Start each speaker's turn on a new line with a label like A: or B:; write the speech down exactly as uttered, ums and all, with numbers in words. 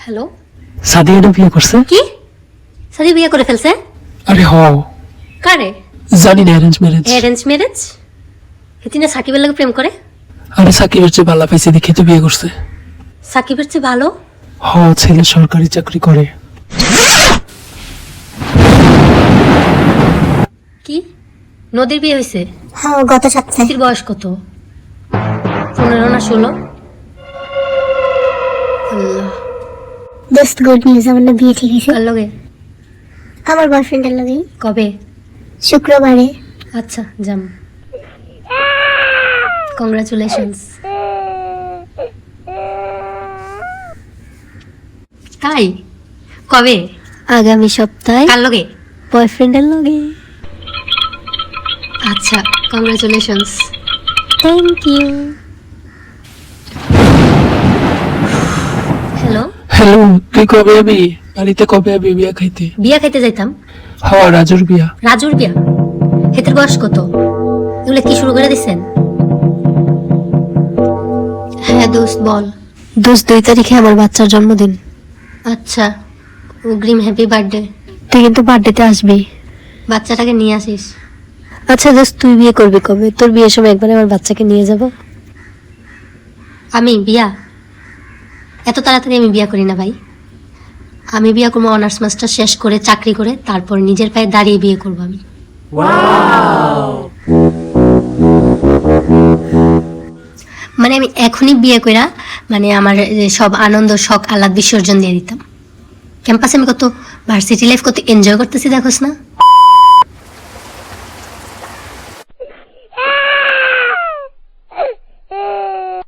A: Hello,
B: সাদিয়াটা বিয়ে করছে?
A: কি সাদি বিয়ে করে ফেলছে?
B: আরে হ,
A: কারে?
B: জানি না, অ্যারেঞ্জ ম্যারেজ।
A: Arrange marriage? হেতিনা সাকিবের লাগে প্রেম করে?
B: আরে সাকিবের চেয়ে ভালো পাইছে দেখে তো বিয়ে করছে।
A: সাকিবের চেয়ে ভালো?
B: হ, ছেলে সরকারি চাকরি করে।
A: কি নদীর বিয়ে হয়েছে?
C: হ্যাঁ, গত সপ্তাহে।
A: নদীর বয়স কত? পনেরো না ষোলো? আল্লাহ,
C: দোস্ত গুড নিউজ, আমার না বিয়ে ঠিক হয়েছে।
A: কার লগে?
C: আমার বয়ফ্রেন্ডের লগেই।
A: কবে?
C: শুক্রবারে।
A: আচ্ছা, যাম। কংগ্রাচুলেশনস। তাই কবে?
C: আগামী সপ্তাহে।
A: কার লগে?
C: বয়ফ্রেন্ডের লগে।
A: আচ্ছা, congratulations.
C: Thank you.
A: Hello,
B: hello, তুই কবে আবি? বাড়িতে কবে আবি বিয়া খাইতে?
A: বিয়া খাইতে যাইতাম।
B: হ, রাজুর বিয়া।
A: রাজুর বিয়া? হেতের বয়স কত? এগুলো কি শুরু করে দিচ্ছেন? হ্যাঁ দোস্ত বল।
C: দোস্ত, দুই তারিখে আমার বাচ্চার জন্মদিন।
A: আচ্ছা, অগ্রিম হ্যাপি বার্থডে।
C: তুই কিন্তু বার্থডেতে আসবি।
A: বাচ্চাটাকে নিয়ে আসিস।
C: আচ্ছা দোস্ত, তুই বিয়ে করবি কবে? তোর বিয়ের সময় একবার আমার বাচ্চাকে নিয়ে যাব।
A: আমি বিয়া? এত তাড়াতাড়ি আমি বিয়া করি না ভাই। আমি বিয়া করবো অনার্স মাস্টার শেষ করে, চাকরি করে, তারপর নিজের পায়ে দাঁড়িয়ে বিয়ে করবো আমি। মানে আমি এখনই বিয়ে কইরা মানে আমার যে সব আনন্দ শখ আহ্লাদ বিসর্জন দিয়ে দিতাম। ক্যাম্পাসে আমি কত ভার্সিটি লাইফ কত এনজয় করতেছি দেখোস না।